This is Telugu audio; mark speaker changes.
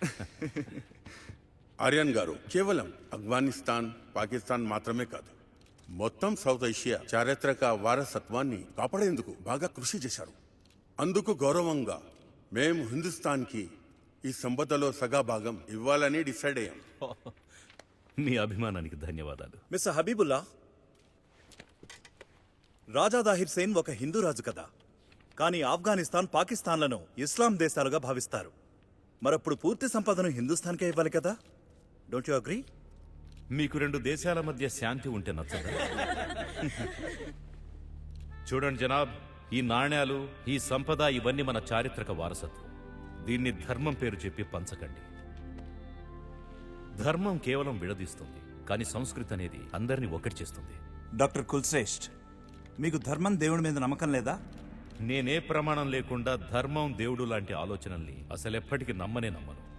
Speaker 1: ఆర్యన్ గారు కేవలం ఆఫ్ఘనిస్తాన్ పాకిస్తాన్ మాత్రమే కాదు, మొత్తం సౌత్ ఏషియా చారిత్రక వారసత్వాన్ని కాపాడేందుకు బాగా కృషి చేశారు. అందుకు గౌరవంగా మేము హిందుస్థాన్కి ఈ సంపదలో సగా భాగం ఇవ్వాలని డిసైడ్ అయ్యాం.
Speaker 2: మీ అభిమానానికి ధన్యవాదాలు.
Speaker 3: మిస్టర్ హబీబుల్లా, రాజా దాహిర్ సేన్ ఒక హిందూ రాజు కదా, కానీ ఆఫ్ఘనిస్తాన్ పాకిస్తాన్లను ఇస్లాం దేశాలుగా భావిస్తారు. మరప్పుడు పూర్తి సంపదను హిందుస్థాన్కే ఇవ్వాలి కదా? Don't you agree?
Speaker 2: మీకు రెండు దేశాల మధ్య శాంతి ఉంటే నచ్చదా? చూడండి జనాబ్, ఈ నాణ్యాలు, ఈ సంపద ఇవన్నీ మన చారిత్రక వారసత్వం. దీన్ని ధర్మం పేరు చెప్పి పంచకండి. ధర్మం కేవలం విడదీస్తుంది, కానీ సంస్కృతి అనేది అందరినీ ఒక్కటి చేస్తుంది.
Speaker 4: డాక్టర్ కుల్శ్రేష్ఠ్, మీకు ధర్మం దేవుడి మీద నమ్మకం లేదా?
Speaker 2: నేనే ప్రమాణం లేకుండా ధర్మం దేవుడు లాంటి ఆలోచనల్ని అసలెప్పటికీ నమ్మను.